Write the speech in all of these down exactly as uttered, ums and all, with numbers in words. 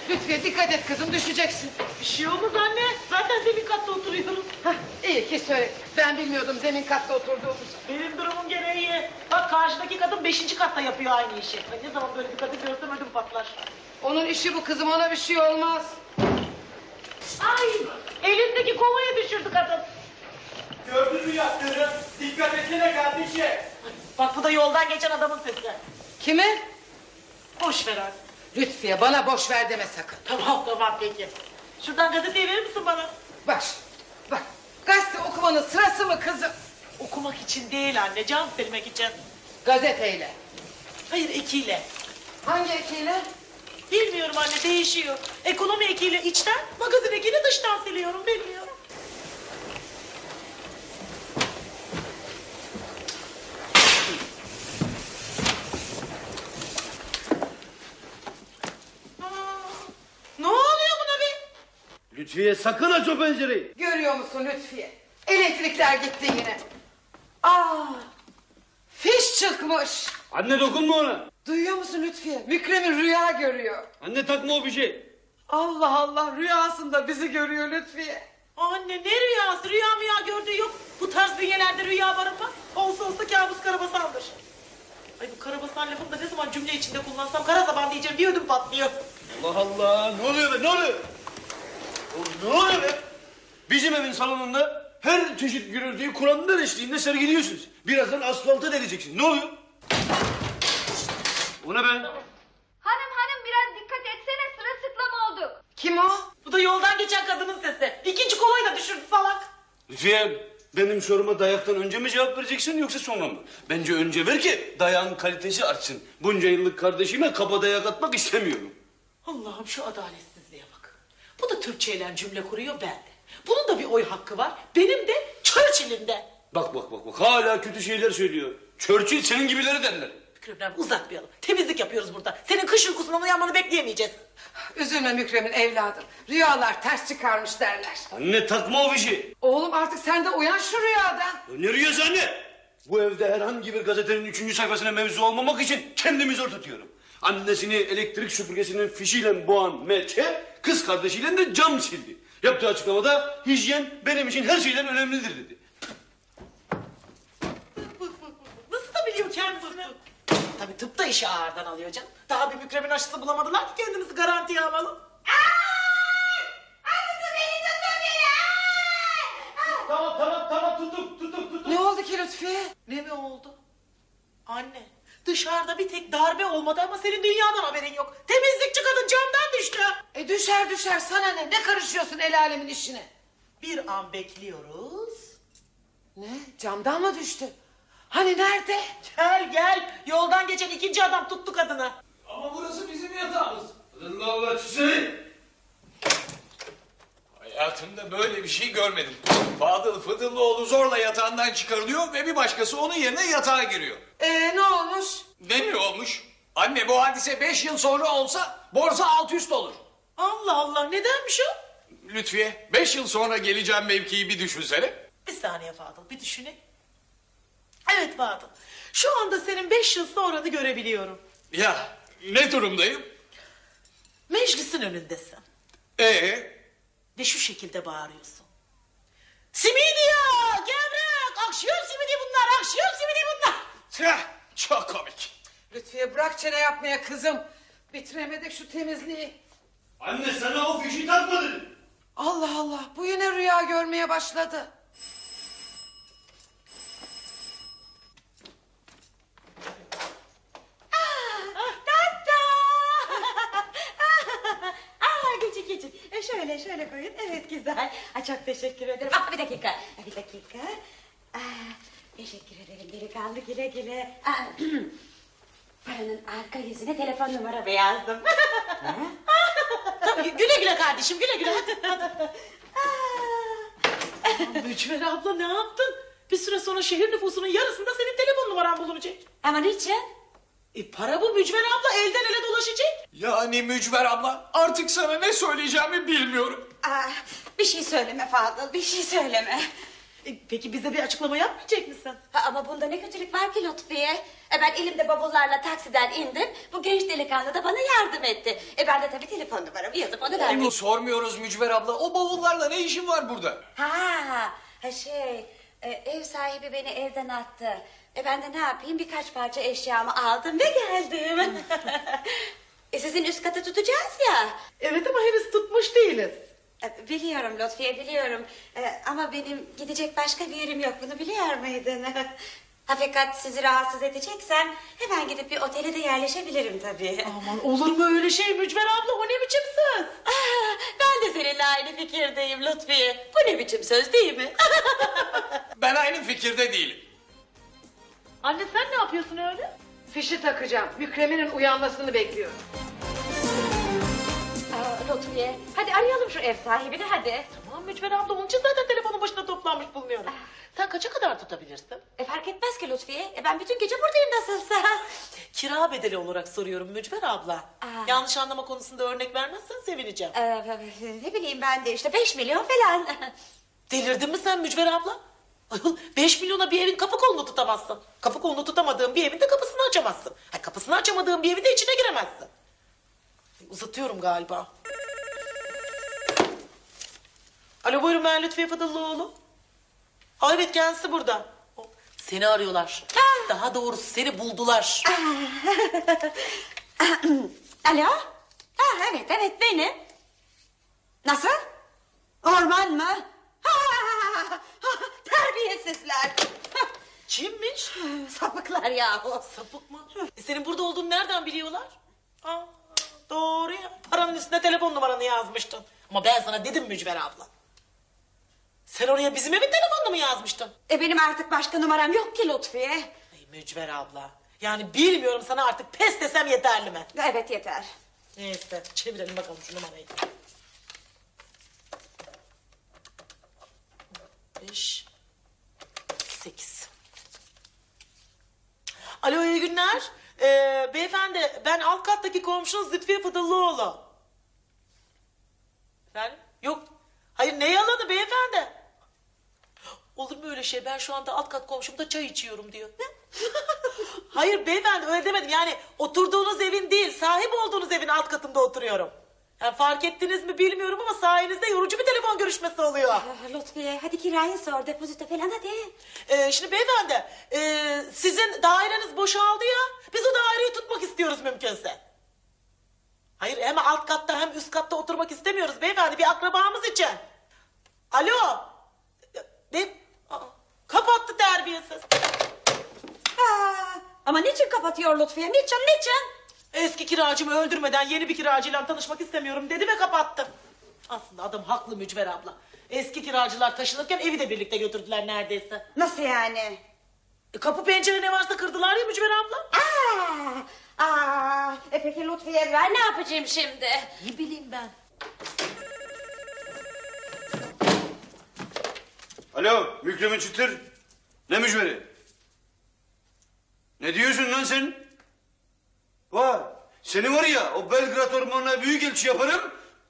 Lütfiye dikkat et kızım, düşeceksin. Bir şey olmaz anne. Zaten zemin katta oturuyorum. Hah, iyi ki söyle. Ben bilmiyordum zemin katta oturduğumuzu. Benim durumum gene iyi. Bak karşıdaki kadın beşinci katta yapıyor aynı işi. Ay, ne zaman böyle bir kadın görsem ödüm patlar. Onun işi bu kızım, ona bir şey olmaz. Ay elindeki kovaya düşürdü kadın. Gördün mü yaptığını? Dikkat etsene kardeşim. Bak bu da yoldan geçen adamın sesi. Kime? Boş ver artık. Lütfiye bana boş ver deme sakın. Tamam tamam peki. Şuradan gazeteyi verir misin bana? Bak, bak. Gazete okumanın sırası mı kızım? Okumak için değil anne, can silmek için. Gazeteyle. Hayır ekiyle. Hangi ekiyle? Bilmiyorum anne, değişiyor. Ekonomi ekiyle içten, magazin ekiyle dıştan siliyorum, bilmiyorum. Aa, ne oluyor buna be? Lütfiye sakın aç o pencereyi. Görüyor musun Lütfiye? Elektrikler gitti yine. Aa, fiş çıkmış. Anne dokunma ona. Duyuyor musun Lütfiye? Mükremin rüya görüyor. Anne takma o bir şey. Allah Allah, rüyasında bizi görüyor Lütfiye. Anne ne rüyası? Rüya müya gördüğü yok. Bu tarz bünyelerde rüya barınmaz. Olsa olsa kabus karabasandır. Ay bu karabasan lafını da ne zaman cümle içinde kullansam kara zaman diyeceğim bir ödüm patlıyor. Allah Allah, ne oluyor be, ne oluyor? Oğlum, ne oluyor be? Bizim evin salonunda her çeşit gürültüyü Kur'an'ın eşliğinde sergiliyorsunuz. Birazdan asfalta deleceksin. Ne oluyor? O ne be? Hanım hanım biraz dikkat etsene, sırılsıklam olduk. Kim o? Bu da yoldan geçen kadının sesi. İkinci kovayı da düşürdü salak. Lütfiye, benim soruma dayaktan önce mi cevap vereceksin yoksa sonra mı? Bence önce ver ki dayağın kalitesi artsın. Bunca yıllık kardeşime kaba dayak atmak istemiyorum. Allah'ım şu adaletsizliğe bak. Bu da Türkçeyle cümle kuruyor, ben de. Bunun da bir oy hakkı var. Benim de Churchill'in de. Bak bak bak bak hala kötü şeyler söylüyor. Churchill senin gibileri derler. Mükrem uzatmayalım. Temizlik yapıyoruz burada. Senin kış uykusundan uyanmanı bekleyemeyeceğiz. Üzülme Mükremin evladım. Rüyalar ters çıkarmış derler. Anne takma o fişi. Oğlum artık sen de uyan şu rüyadan. Ya ne rüyası anne? Bu evde herhangi bir gazetenin üçüncü sayfasına mevzu olmamak için kendimi zor tutuyorum. Annesini elektrik süpürgesinin fişiyle boğan Melke, kız kardeşiyle de cam sildi. Yaptığı açıklamada hijyen benim için her şeyden önemlidir dedi. Nasıl da biliyor kendisini? Tabii tıp da işi ağırdan alıyor canım. Daha bir Mükrem'in aşısı bulamadılar ki kendimizi garantiye alalım. Tamam tamam tamam tuttuk tuttuk tuttuk. Ne oldu ki Lütfiye? Ne mi oldu? Anne dışarıda bir tek darbe olmadı ama senin dünyadan haberin yok. Temizlikçi kadın camdan düştü. E düşer düşer, sana ne? Ne karışıyorsun el alemin işine? Bir an bekliyoruz. Ne? Camdan mı düştü? Hani nerede? Gel gel yoldan geçen ikinci adam tuttu kadını. Ama burası bizim yatağımız. Allah Allah çizelim. Hayatımda böyle bir şey görmedim. Fadıl Fıdıllıoğlu zorla yatağından çıkarılıyor ve bir başkası onun yerine yatağa giriyor. Ee ne olmuş? Ne mi olmuş? Anne bu hadise beş yıl sonra olsa borsa alt üst olur. Allah Allah nedenmiş o? Lütfiye beş yıl sonra geleceğim mevkiyi bir düşünsene. Bir saniye Fadıl bir düşüneyim. Evet Fadıl şu anda senin beş yıl sonranı görebiliyorum. Ya ne durumdayım? Meclisin önündesin. Ee, Ve şu şekilde bağırıyorsun. Simidya, gevrek, akşam simidi bunlar, akşam simidi bunlar. tüh, çok komik. Lütfiye bırak çene yapmaya kızım. Bitiremedik şu temizliği. Anne sana o fişi takma dedim. Allah Allah, bu yine rüya görmeye başladı. Aa, geçin geçin. E, şöyle şöyle koyun. Evet güzel. Aa, çok teşekkür ederim. Aa, bir dakika. Bir dakika. Aa, teşekkür ederim delikanlı, güle güle. Aa, paranın arka yüzüne telefon numaramı yazdım. Tabii güle güle kardeşim güle güle hadi hadi. Mücver abla ne yaptın? Bir süre sonra şehir nüfusunun yarısında senin telefon numaran bulunacak. Ama niçin? E para bu Mücver abla elden ele dolaşacak. Yani Mücver abla artık sana ne söyleyeceğimi bilmiyorum. Aa, bir şey söyleme Fadıl, bir şey söyleme. E, peki bize bir açıklama yapmayacak mısın? Ha, ama bunda ne kötülük var ki Lütfiye? E ben elimde bavullarla taksiden indim. Bu genç delikanlı da bana yardım etti. E ben de tabii telefon numaramı yazıp onu verdim. Onu sormuyoruz Mücver abla. O bavullarla ne işin var burada? Ha, ha şey, e, ev sahibi beni evden attı. E ben de ne yapayım, birkaç parça eşyamı aldım ve geldim. e sizin üst katı tutacağız ya. Evet ama henüz tutmuş değiliz. E, Biliyorum Lütfiye, biliyorum. E, ama benim gidecek başka bir yerim yok, bunu biliyor muydun? Ha, fakat sizi rahatsız edeceksem hemen gidip bir otele de yerleşebilirim tabii. Aman olur mu öyle şey Mücver abla, o ne biçim söz? Ah, ben de seninle aynı fikirdeyim Lütfiye. Bu ne biçim söz değil mi? Ben aynı fikirde değilim. Anne sen ne yapıyorsun öyle? Fişi takacağım. Mükremin'in uyanmasını bekliyorum. Aa, Lütfiye, hadi arayalım şu ev sahibini hadi. Tamam Mücver abla, onun için zaten telefonun başına toplanmış bulunuyorum. Sen kaça kadar tutabilirsin? E fark etmez ki Lütfiye. E ben bütün gece buradayım nasılsa. Kira bedeli olarak soruyorum Mücver abla. Aa. Yanlış anlama konusunda örnek vermezsen sevineceğim. Ee, ne bileyim ben de işte beş milyon falan. Delirdin mi sen Mücver abla? Ayol, beş milyona bir evin kapı kolunu tutamazsın. Kapı kolunu tutamadığın bir evin de kapısını açamazsın. Ay, kapısını açamadığın bir evin de içine giremezsin. Ay, uzatıyorum galiba. Alo buyurun, ben Lütfiye Fadıllıoğlu. Aa, evet kendisi burada. O, Seni arıyorlar. Daha doğrusu seni buldular. Alo? Ha, evet evet benim. Nasıl? Orman mı? Ha, ha, terbiyesizler. Kimmiş? Sapıklar yahu. Sapık mı? E, senin burada olduğunu nereden biliyorlar? Aa, doğru ya. Paranın üstüne telefon numaranı yazmıştın. Ama ben sana dedim Mücver abla. Sen oraya bizim evin telefonunu mu yazmıştın? E benim artık başka numaram yok ki Lütfiye. Ay Mücver abla. Yani bilmiyorum, sana artık pes desem yeterli mi? Evet yeter. Neyse çevirelim bakalım şu numarayı. Beş. Sekiz. Alo iyi günler. Ee, beyefendi ben alt kattaki komşunuz Lütfiye Fadıllıoğlu. Efendim? Yok. Hayır ne yalanı beyefendi? Olur mu öyle şey? Ben şu anda alt kat komşumda çay içiyorum diyor. Hayır beyefendi öyle demedim. Yani oturduğunuz evin değil, sahip olduğunuz evin alt katında oturuyorum. Yani fark ettiniz mi bilmiyorum ama sayenizde yorucu bir telefon görüşmesi oluyor. Ah, Lütfiye hadi kirayı sor, depozito falan hadi. Ee, şimdi beyefendi, ee, sizin daireniz boşaldı ya. Biz o daireyi tutmak istiyoruz mümkünse. Hayır hem alt katta hem üst katta oturmak istemiyoruz beyefendi, bir akrabamız için. Alo. Ne? Aa, kapattı terbiyesiz. Aa, ama niçin kapatıyor Lütfiye? Niçin niçin? Eski kiracımı öldürmeden yeni bir kiracıyla tanışmak istemiyorum dedi ve kapattı. Aslında adam haklı Mücver abla. Eski kiracılar taşınırken evi de birlikte götürdüler neredeyse. Nasıl yani? E, kapı pencere ne varsa kırdılar ya Mücver abla. Aa, aa, e peki Lütfiye ben ne yapacağım şimdi? Ne bileyim ben. Alo Mükremin Çıtır. Ne mücveri? Ne diyorsun lan sen? Var. Seni var ya o Belgrad ormanına büyük elçi yaparım.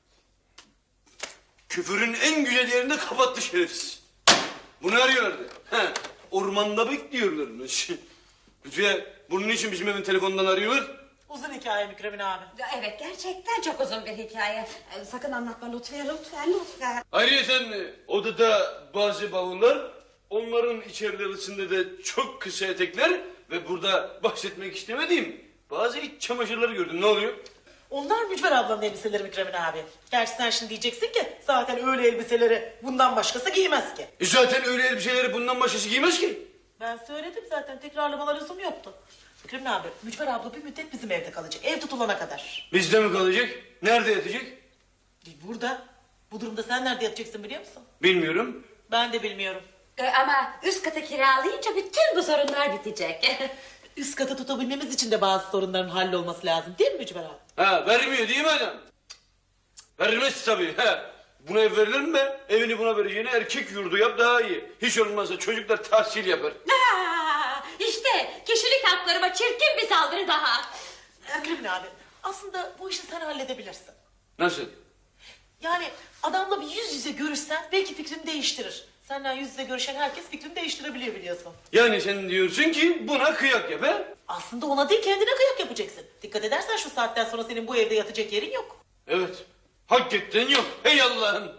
Küfürün en güzel yerinde kapattı şerefsiz. Bunu arıyorlardı. He, ormanda bekliyorlarmış. Lütfiye bunun için bizim evin telefonundan arıyorlar. Uzun hikaye Mükremin abi. Evet gerçekten çok uzun bir hikaye. Ee, Sakın anlatma Lütfiye lütfen lütfen. Ayrıca odada bazı bavullar, onların içerisinde de çok kısa etekler ve burada bahsetmek istemediğim bazı iç çamaşırları gördüm. Ne oluyor? Onlar Mücver ablanın elbiseleri Mükremin abi. Gerçi sen şimdi diyeceksin ki zaten öyle elbiseleri bundan başkası giymez ki. E zaten öyle elbiseleri bundan başkası giymez ki. Ben söyledim zaten, tekrarlamalar lüzum yoktu. Mükremin abi, Mücver abla bir müddet bizim evde kalacak. Ev tutulana kadar. Bizde mi kalacak? Nerede yatacak? E, burada. Bu durumda sen nerede yatacaksın biliyor musun? Bilmiyorum. Ben de bilmiyorum. Ee, ama üst katı kiralayınca bütün bu sorunlar bitecek. Üst katı tutabilmemiz için de bazı sorunların hallolması lazım değil mi Mücver abi? Ha vermiyor değil mi adam? Vermez tabii. He. Buna ev verilir mi be? Evini buna vereceğine erkek yurdu yap daha iyi. Hiç olmazsa çocuklar tahsil yapar. Aa, işte kişilik haklarıma çirkin bir saldırı daha. Mükremin abi, aslında bu işi sen halledebilirsin. Nasıl? Yani adamla bir yüz yüze görüşsen belki fikrini değiştirir. Senden yüz yüze görüşen herkes fikrini değiştirebiliyor biliyorsun. Yani sen diyorsun ki buna kıyak yap he? Aslında ona değil kendine kıyak yapacaksın. Dikkat edersen şu saatten sonra senin bu evde yatacak yerin yok. Evet. Hakikaten yok. Hey Allah'ım.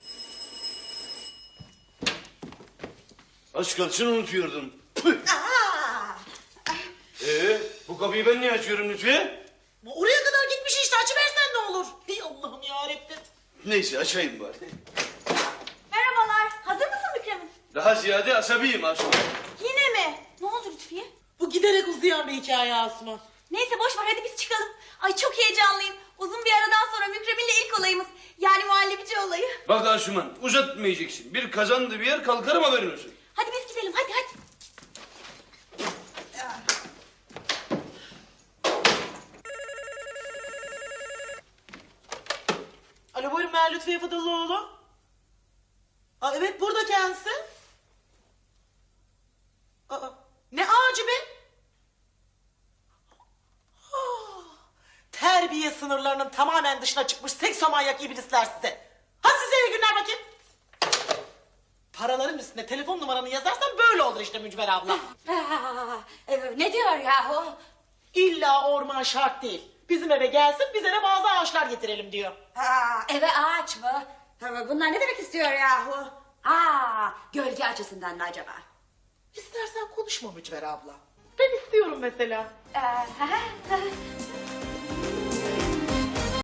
Az kalsın unutuyordum. Püh. Ee, bu kapıyı ben niye açıyorum Lütfiye? Oraya kadar gitmiş işte açıversen ne olur. Hey Allah'ım yarabbim. Neyse açayım bari. Merhabalar. Hazır mısın Mükremin? Daha ziyade asabiyim Asuman. Yine mi? Ne oldu Lütfiye? Bu giderek uzayan bir hikaye Asuman. Neyse boş ver hadi biz çıkalım. Ay çok heyecanlıyım. Uzun bir aradan sonra Mükremin'le ilk olayımız. Yani muhallebici olayı. Bak Asuman uzatmayacaksın. Bir kazandı bir yer kalkarım haberin olsun. Hadi biz gidelim hadi hadi. Alo buyurun ben Lütfiye Fadıllıoğlu. Aa, evet burada kendisi. Aa, ne ağacı be? Ah, terbiye sınırlarının tamamen dışına çıkmış seksomanyak iblisler size. Ha size iyi günler bakayım. Paraların üstüne telefon numaranı yazarsan böyle olur işte Mücver abla. Aa, e, ne diyor yahu? İlla orman şart değil. Bizim eve gelsin biz eve bazı ağaçlar getirelim diyor. Aa, eve ağaç mı? Ha, bunlar ne demek istiyor yahu? Aa, gölge açısından mı acaba? İstersen konuşma Mücver abla. Ben istiyorum mesela. Ee,